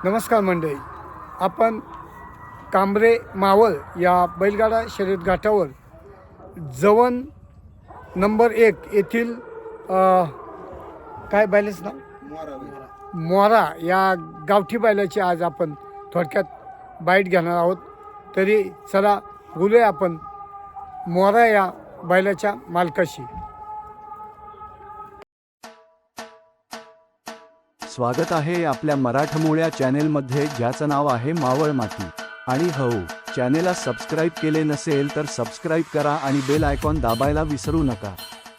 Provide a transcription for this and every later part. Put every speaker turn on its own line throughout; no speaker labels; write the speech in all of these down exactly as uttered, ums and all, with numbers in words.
नमस्कार मंडळी, आपण कांबरे मावळ या बैलगाडा शर्यत घाटावर जवन नंबर एक येथील अ, काय बैलाचं नाव मोरा या गावठी बैलाची आज आपण थोडक्यात बाईट घेणार आहोत. तरी चला बोलूया आपण मोरा या बैलाच्या मालकाशी.
स्वागत आहे आपल्या मराठमोळ्या चॅनेलमध्ये, ज्याचं नाव आहे मावळ माती. आणि हो, चॅनेलला सबस्क्राईब केले नसेल तर सबस्क्राईब करा आणि बेल आयकॉन दाबायला विसरू नका.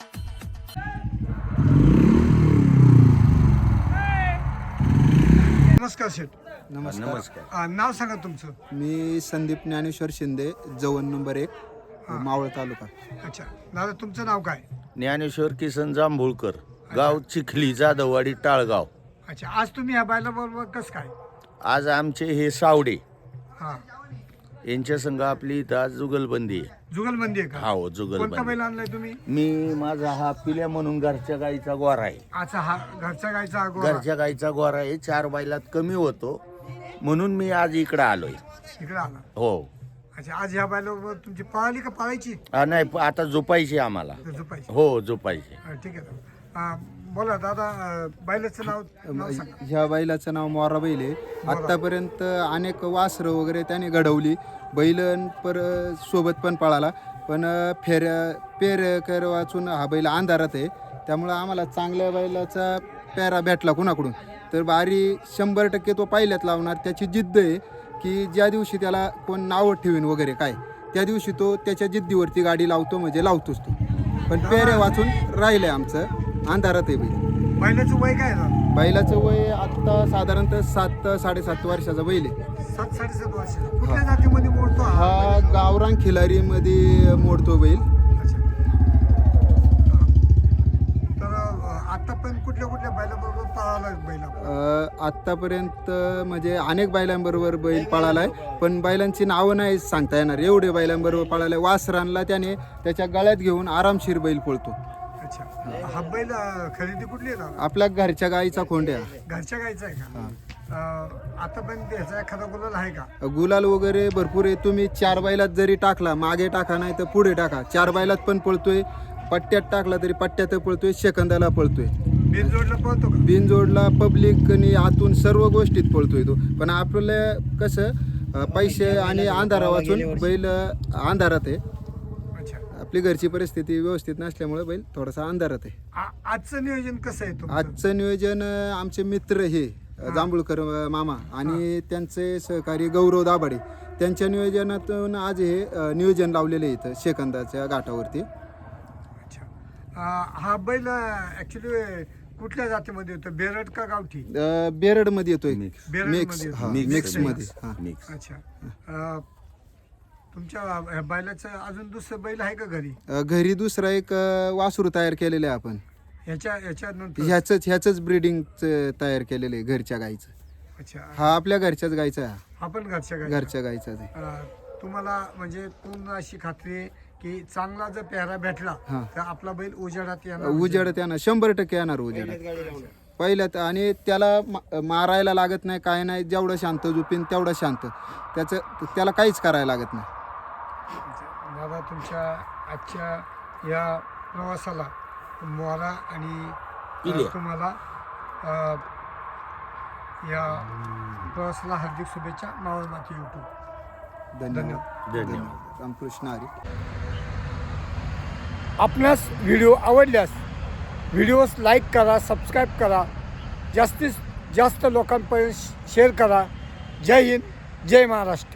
नमस्कार शेठ.
नमस्कार.
नमस्कार. नाव सांगा तुमचं.
मी संदीप ज्ञानेश्वर शिंदे, जवन नंबर एक, मावळ तालुका.
अच्छा दादा, तुमचं नाव काय?
ज्ञानेश्वर किसन जांभूळकर, गाव चिखली, जाधववाडी, टाळगाव.
अच्छा, आज तुम्ही ह्या बैलाबरोबर कसं काय?
आज आमचे हे सावडे
हां,
यांच्या संघ आपली इथं आज जुगलबंदी आहे.
जुगलबंदी आहे का?
हा हो,
कोणता
जुगलबंदी.
बैल आणलाय तुम्ही?
मी माझा हा पिल्या म्हणून घरच्या गाईचा गोरा आहे.
अच्छा, हा घरच्या गायचा अगोदर
घरच्या गाईचा गोरा आहे. चार बैलात कमी होतो म्हणून मी आज इकडे आलोय.
इकडे आला.
हो.
अच्छा, आज ह्या बैलाबरोबर तुमची पळाली का पळायची?
हा, नाही, प- आता झोपायची आम्हाला.
झोपायची.
हो, झोपायची.
हा, ठीक आहे. हा, बोला दादा, अं, बैलाचं नाव नाव सांगा.
ह्या बैलाचं नाव मोरा बैल आहे. आत्तापर्यंत अनेक वासरं वगैरे त्याने घडवली. बैलन पर सोबत पण पळाला, पण फेऱ्या पेर कर वाचून हा बैल अंधारात आहे. त्यामुळं आम्हाला चांगल्या बैलाचा पेरा भेटला कुणाकडून तर बारी शंभर टक्के तो पहिल्यात लावणार. त्याची जिद्द आहे की ज्या दिवशी त्याला कोण नावं ठेवीन वगैरे काय, त्या दिवशी तो त्याच्या जिद्दीवरती गाडी लावतो, म्हणजे लावतोच तो. पण पेऱ्या वाचून राहिलंय आमचं, अंधारात आहे बैल.
बैलाचं वय काय आहे?
बैलाचं वय आत्ता साधारणतः सात साडेसात वर्षाचा बैल आहे.
सात साडेसात वर्ष. कुठल्या जातीमध्ये मोडतो हा?
हा गावरान खिलारीमध्ये मोडतो बैल.
अच्छा. हा. तर अं, आतापर्यंत कुठल्या कुठल्या बैलाबरोबर पळाला बैल आपण?
अ, आत्तापर्यंत म्हणजे अनेक बैलांबरोबर बैल पळालाय, पण बैलांची नावं नाही सांगता येणार, एवढे बैलांबरोबर पळालाय. वासरांना त्याने त्याच्या गळ्यात घेऊन आरामशीर बैल पळतो.
अच्छा, हा बैल अं, खरेदी कुठली आहे दादा?
आपल्या घरच्या गाईचा खोंड्या.
घरच्या गायचा आहे का? अं, आतापर्यंत ह्याचा एखादा गुलाल आहे का?
गुलाल वगैरे भरपूर आहे. तुम्ही चार बैलात जरी टाकला, मागे टाका नाही तर पुढे टाका, चार बैलात पण पळतोय. पट्ट्यात टाकला तरी पट्ट्यात पळतोय, सेकंदाला पळतोय.
बिन जोडला पळतो का?
बिनजोडला पब्लिकनी आतून सर्व गोष्टीत पळतोय तो. पण आपलं कसं अ, पैसे आणि अंधारा वाचून बैल अ, अंधारात आहे.
अच्छा.
आपली घरची परिस्थिती व्यवस्थित नसल्यामुळे बैल थोडासा अंधारात आहे.
आ- आजचं नियोजन कसं आहे तुमचं?
आजचं नियोजन अ, आमचे मित्र हे अ, जांभूळकर अ, मामा आणि त्यांचे सहकारी गौरव दाभाडे, त्यांच्या नियोजनातून आज हे अ, नियोजन लावलेलं आहे इथं सेकंदाच्या घाटावरती.
अच्छा. अं, हा बैल ऍक्च्युली कुठल्या जातीमध्ये होतो? बेरड का गावठी?
अ, बेरडमध्ये येतोय.
मिक्स.
बेरडमध्ये
मिक्स
येतो.
हा,
मिक्स
मिक्स
आहे.
मध्ये हा.
मिक्स.
अच्छा. अं, तुमच्या ह्या बैलाचं अजून दुसरं बैल आहे का घरी?
अ, घरी दुसरा एक अ, वासरू तयार केलेलं आहे आपण.
ह्याच्या ह्याच्यानंतर?
ह्याचंच ह्याचंच ब्रीडिंग तयार केलेलं आहे घरच्या गाईचं.
अच्छा.
हा आपल्या घरच्याच गाईचा आहे.
हा पण घरच्या गाई?
घरच्या गाईचाच आहे.
अं, तुम्हाला म्हणजे पूर्ण अशी खात्री आहे की चांगला जर पेहरा भेटला
हा.
तर आपला बैल उजेडात येणार?
उजेड त्यानं शंभर टक्के येणार उजेडात पहिल्यात. आणि त्याला मा- मारायला लागत नाही, काय नाही. जेवढं शांत झोपीन तेवढं शांत, त्याचं त्याला काहीच करायला लागत नाही.
दादा, तुमच्या आजच्या या प्रवासाला मोरा आणि
पिल्या.
अ, तुम्हाला अ, या प्रवासाला हार्दिक शुभेच्छा. मावळ माती यूट्यूब.
धन्यवाद.
धन्यवाद.
रामकृष्ण हरी.
आपणास व्हिडिओ आवडल्यास व्हिडिओस लाईक करा, सबस्क्राईब करा, जास्तीत जास्त लोकांपर्यंत शेअर करा. जय हिंद, जय महाराष्ट्र.